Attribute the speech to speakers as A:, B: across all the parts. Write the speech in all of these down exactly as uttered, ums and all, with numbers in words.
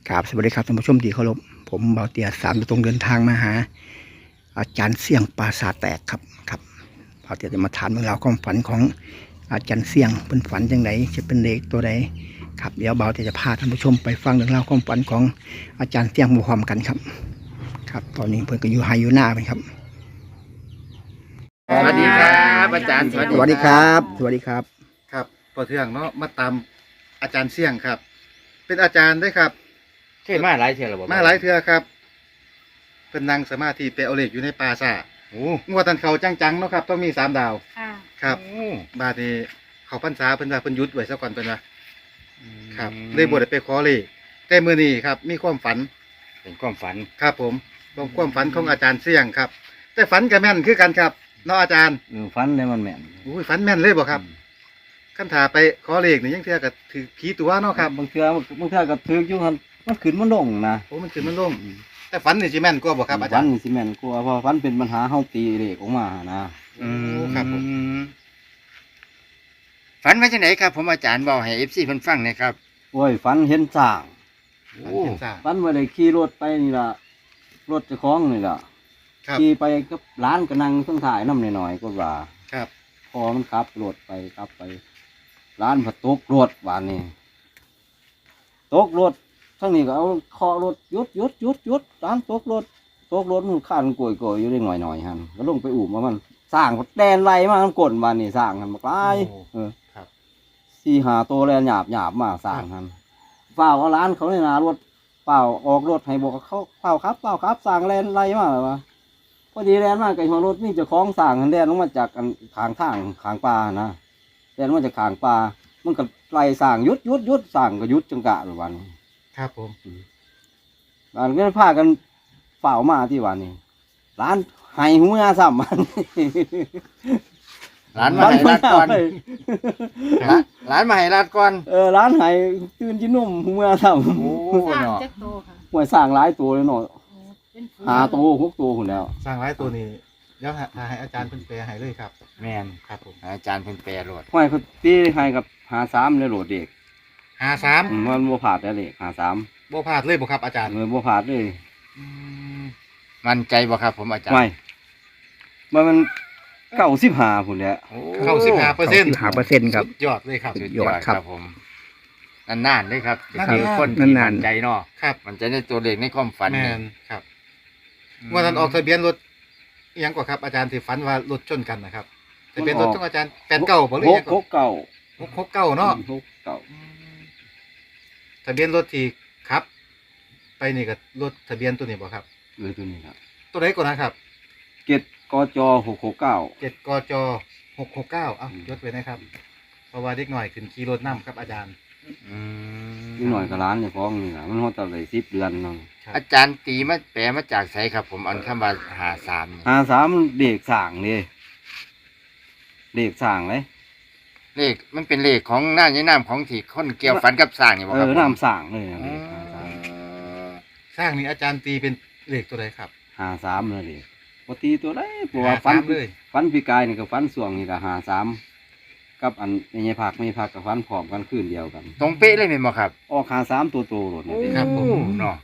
A: ครับสวัสดีครับท่านผู้ชมที่เคารพผมเบาเตียสามตรงเดินทางมาหาอาจารย์เสี่ยงปราสาทแตกครับครับเบาเตียจะมาถามเรื่องราวความฝันของอาจารย์เสี่ยงเป็นฝันยังไงจะเป็นเลขตัวใดครับเดี๋ยวเบาเตียจะพาท่านผู้ชมไปฟังเรื่องราวความฝันของอาจารย์เสี่ยงพร้อมกันครับครับตอนนี้เพิ่นก็อยู่ไฮอยู่หน้าไปครับ
B: สวัสดีครับอาจารย์
A: สวัสดีครับสวัสดีครับ
B: ครับพอเทืองเนาะมาตามอาจารย์เสี่ยงครับ เป็นอาจารย์ด้วยครับ
C: เคยมาหลายเทื่อแล้วบ่
B: มาหลายเทื่อครับเป็นนั่งสมาธิไปเอาเหล็กอยู่ในป่าซ่า
C: โอ้
B: งวดตันเขาจังๆเนาะครับต้องมีสามดาว
D: ค่ะ
B: ครับ
C: โอ้
B: บาดนี้เขาพรรษาเพิ่นว่าเพิ่นหยุดไว้ซะก่อนเพิ่นว่า
C: อืม
B: ครับเลยบ่ได้ไปขอเลยแต่มื้อนี้ครับมีความฝัน
C: เป็นความฝัน
B: ครับผมเป็นความฝันของอาจารย์เสี่ยงครับ แต่ฝันก็แม่นคือกันครับเนาะอาจารย์
E: เออฟันเลยมันแม่น
B: อุ้ยฝันแม่นเลยบ่ครับคันถาไปขอเลขนี่ยังเทื่อก็ถือผีตัวเนาะครับ
E: บางเทื่อบางเทื่อก็ถืออยู่หั่นมันขึ้นมันลงนะ
B: โอ้มันขึ้นมันลงแต่ฝันนี่สิแม่นกว่าบ่ครับอาจา
E: ฟั
B: ร
E: น
B: ย์
E: นี่สิแม่นกลัวเพราะฟันเป็นปัญหาเฮาตีเลขออกมานะ
B: โอ้ครับผม
C: ฝันว่าจังไหนครับ ผมอาจารย์บอกให้ เอฟ ซี เพิ่นฟังหนะครับ
E: โอ้ยฟันเห็นสร้าง
B: ฝันเห็นสร้าง
E: ฟันว่าได้ขี่รถไปนี่ล่ะรถเจ้าของนี่ล่ะ
B: ครับ
E: ขี่ไปกับร้านก็นั่งข้างถ่ายน้ำหน่อยๆก็ว่า
B: ครับ
E: พอมันขับรถไปขับไป ร้านผัดตกรถบานนี้ตกรถทั้งนี้ก็เอาเคาะรถหยุดหยุดหยุดหยุดร้านตกรถตกรถมันข้านกลวยกลวยอยู่ได้หน่อยหน่อยฮันก็ลงไปอุ่มว่ามันสร้างแดนไรมามันกดบานนี้สร้างกันมากลายเออ
B: ครับ
E: สี่หาตัวแลนหยาบหยาบมาสร้างกันเปล่าเอาร้านเขาในนารถเปล่าออกรถให้บอกเขาเปล่าครับเปล่าครับสร้างแลนไรมาหรอวะพอดีแลนมากไก่หัวรถนี่เจะคล้าของสร้างกันแลนลงมาจากอันขางทางขางปลานะแลนมาจากขางปลามันก็ไล่สร้างยุดยุดยุดสร้างก็ยุดจังกะหรือวัน
B: ครับผม
E: ร้านก็พากันเฝ้ามาที่วันนี้ร้านไห้หัวซ้ำมัน
C: ร้านมาให้รัดก่อนร้านร้านมาให้รัดก่อน
E: เออร้านไห้ตื่นกินนมหัวซ้
C: โอ้
D: สร้าง
C: เนาะ
D: จักโตค่ะ
E: ำหัวสร้างหลายตัวเลยเนาะ
D: โอ้เป็นผู้
E: หาตัวหกตัวคนแล้ว
B: สร้างหลายตัวนี้เดี๋ยวหาให้อาจารย์เพิ่นแปลให้เลยครับ
C: แม่น
B: ครับผม
C: อาจารย์เพิ่นแปลโลด
E: ห้อยเขาตีให้กับหาสามเลยโหลดเด็ก
B: หาสาม
E: อืมมันบัวผาดแต่เด็กหาสาม
B: บ่พลาดเลยบ่ครับอาจารย์
E: เลยบัวผาดเลย
B: อืม
C: มั่นใจบ่ครับผมอาจารย์
E: ไม่มันมันเก้าสิบห้าคนแหล้ว
C: โอ้
B: เข้าสิบห้าเปอร์เซ็นต์
A: หาเปอร์เซ็นต์ครับ
B: สุดยอดเลยครับ
A: สุ
C: สุ
A: ด
C: ด
A: ย
C: ย
A: อ
C: อ
A: ด
C: ด
A: ครับ
C: ครับผมนานๆเลยครับ
B: นานๆ
C: คือคนที่
A: นานๆ
C: มั่นใจเนาะ
B: ครับ
C: มั่นใจในตัวเลขในความฝัน
B: แม่
C: เนี่ย
B: นครับงวดนั้นออกทะเบียนรถอิหยังกว่าครับอาจารย์ที่ฝันว่ารถชนกันนะครับทะเบียนรถของอาจารย์แปดเก้าบ่หรือ
E: ห
B: อิ
E: ก
B: หยัง
E: หกเก้า
B: หกหกเก้าเนาะ
E: หกเก้า
B: ทะเบียนรถที่ครับ ไปนี่กับรถทะเบียนตัวนี้บ่ครับ
E: เออตัวนี้ครับ
B: ตัวไหนก่อนนะครับ
E: เกตกจหกหกเก้า
B: เจ็ดกจหกหกเก้าอ้าวยศไว้นะครับเพราะว่าเด็กหน่อยขึ้นขี่รถน้ำครับอาจารย์
C: อืม
E: นี่หน่อยกับร้านเนี่ยฟ้องนี่นะมันฮอดตั้งแต่สิบเดือนเนาะ
B: ครับ
C: อาจารย์ตีมาแปลมาจากไสครับ ผมอันคำว่าหาสามนี่
E: หาสามเด็กสั่งเลยเด็กสั่งเลย
C: เลขมันเป็นเลขของหน้าในน้ำของที่คนเกี่ยวฝันกับสร้างนี่บ่
E: เอ
C: ครับ
E: อ
C: ผม
E: น้ำสั่งเลยนะ
C: อ๋
E: เด็ก
C: อ
E: หาสาม
B: สร้างนี่อาจารย์ตีเป็นเลขตัวไหนครับ
E: หาสามเลยเด็กปกติตัวได้ปว่า
B: หา
E: ฟัน
B: สามเลย
E: ฟันปีกายนี่กับฟันส่วงนี่กับหาสามกับอันในผักไม่ผักกับฟันผอมกันคืนเดียวกัน
C: ตรงเป๊ะเลยแม่นบ่ครับ
E: ออกหาสามตัวโตหลดเนี่ยเด็ก
B: ครับผม
C: เนาะ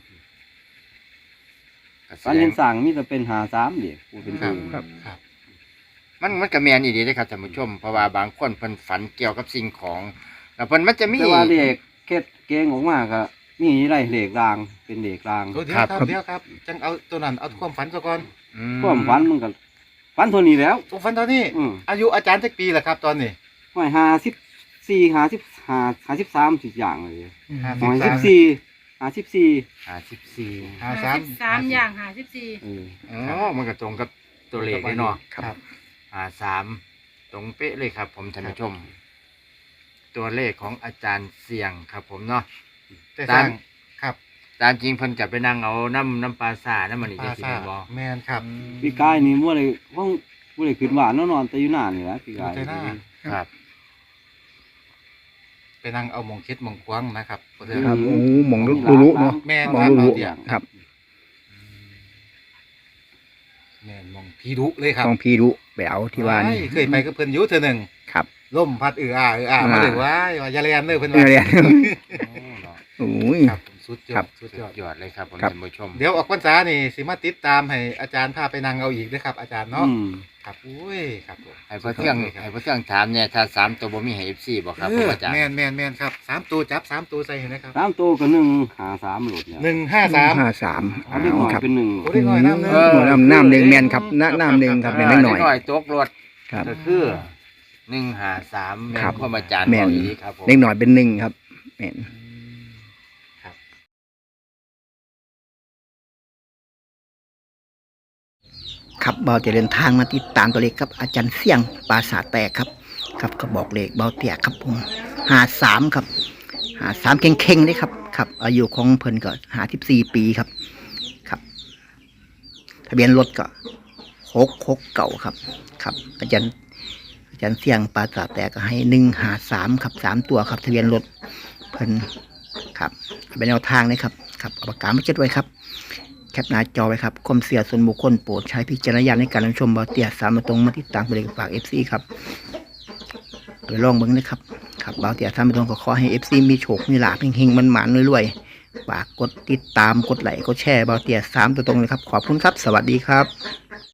E: ฟันเห็นสั่งมีแต่เป็นหาสามเด็กพูดเป็น
B: ครั
E: ตั
B: บ
E: ว
B: ครับครับ
C: มันมันก็แม่นอีดีเด้ครับท่านผู้ชมเพราะว่าบางคนเพิ่นฝันเกี่ยวกับสิ่งของแล้วเพิ่นมันจะมี
E: แต่ว่าเด็กเก็ดเก่งออกมาก็มีอะไรเหล็กรางเป็นเหล็กราง
B: ตัวเดียวครับเดียวครับจังเอาตัวนั้นเอาความฝันซะก่อน
C: อื
E: ความฝันมันก็ฝันเท่านี้แล้ว
B: ตัวฝันตอนนี้
E: อืม
B: อายุอาจารย์สักปีแหละครับ ตอนนี้
E: ห้อยหาสิบสี่หาสิบหาหาสิบสามสิบอย่างเลย
B: ห้า
E: ห้อย
B: สิ
E: สิ
B: บบ
E: สี่หาสิบสี่
C: ห้าสิบสี่
B: ห้า
D: ห้า
B: สาม
D: สิบสามอย่างห้าสิบสี่
E: เออ
C: อ๋อมันก็ตรงกับตัวเลขเลยเนาะ
B: ครับ
C: ห้าสามตรงเป๊ะเลยครับ ผมท่านผู้ชม ตัวเลขของอาจารย์เสี่ยงครับ ผมเนาะ
B: แต่สร้างครับ
C: ตามจริงเพิ่นจะไปนั่งเอาน้ำน้ำปลาซ่าน้ำมันนี่
B: ป
C: จะ
B: ลา
C: สิ
B: ซ่า
C: แม่นบ่
B: แมนครับ
E: พี่กายนี่มั่วเลยว่างมั่วเลยขึ้นหวานนอนๆแต่อยู่หน้านี่แหละพี่กาย
B: อยู่แต่หน้า
C: ครับ
B: ไปนั่งเอาหมองคิดหมองควางนะครับตัวเดียว
A: ครับโอ้หมองรู้รู้เนาะ
B: แม่น
A: มอง
B: ครับ
A: รู้
B: เดียว
A: ครับ
B: แมนหมองพีดุเลยครับ
A: ต้องพี่รู้ไปเอาที่ว่านี่
B: ว้ยเคยไปกับเพิ่นอยู่เทื่อหนึ่ง
A: ครับ
B: ล่มพัดเอืออาเอืออามา
A: อ่า
B: เลยว้ายว่าอย่าเรียนเลยเพิ่น
A: เรี
B: ว่าย
A: นโอ้ย
B: ครับผมสุดย
A: ครั
B: อบ ดสุด
C: สุ
B: ยอด
C: ดยอดเลยครับผม
A: ครับ
C: ท่านผู้ชม
B: เดี๋ยวออกพรรษานี่สิมาติดตามให้อาจารย์พาไปนั่งเอาอีกด้วยครับ อาจารย์เนาะ
E: อืม
B: ครับอุ้ยครับผม
C: ให้พ่อเที่ยงให้พ่อเที่ยงถามเนี่ยถ้าสามตัวบ่มีให้ เอฟ ซี บ่ครับ
B: เอ
C: ผม
B: อ
C: อาจารย์
B: แมนแมนแมนครับสามตัวจับสามตัวใส่เห็นไหมครับ
E: สามตัวก็หนึ่งหาสามหลุดเนี่ย
B: หนึ่งห้าสาม
A: ห้าสาม
E: เอาเล็กน้อย
A: ครับ
E: เป็นหนึ่ง
B: โอ้เล็กน้อยน้ำหนึ่ง
A: เออน้ำน้ำหนึ่งแมนครับน้ำน้ำหนึ่งครับแมนนิดหน่อย
C: เล็กน้อยตกรถ
A: ครับ
C: ก็คือหนึ่งห้าสามแม่น
A: ครับ
C: ความอาจารย์
A: แม่น
C: บอกอีกครับผม
A: เล็กหน่อยเป็นหนึ่งครับแมน
B: ครับ
A: ครับเบาจะเดินทางมาติดตามตัวเลขครับอาจารย์เสี่ยงปราสาทแตกครับครับก็บอกเลขเบาเตียครับผมหาสามครับหาสามเข่งเข่งเลยครับครับอายุของเพิ่นก็หาสิบสี่ปีครับครับ ทะเบียนรถก็หกหกเก่าครับครับ อาจารย์อาจารย์เสี่ยงปราสาทแตกก็ให้หนึ่งหาสามครับสามตัวครับทะเบียนรถเพิ่นครับเป็นแนวทางเลยครับครับเอาปากกามาจดไว้ครับ แคปหน้าจอไว้ครับความเสียส่วนบุคคลโปรดใช้พิจารณญาณในการรับชมเบาเตียสามมาตรงมาติดตามตัวเลขฝากเอฟซีครับไปลองเบิ้งนะครับครับเบาเตียสามมาตรงก็ขอให้เอฟซีมีโชคมีลาภเฮงๆมันหมานรวยๆฝากกดติดตามกดไลค์กดแชร์เบาเตียสามตัวตรงเลยครับขอบคุณครับสวัสดีครับ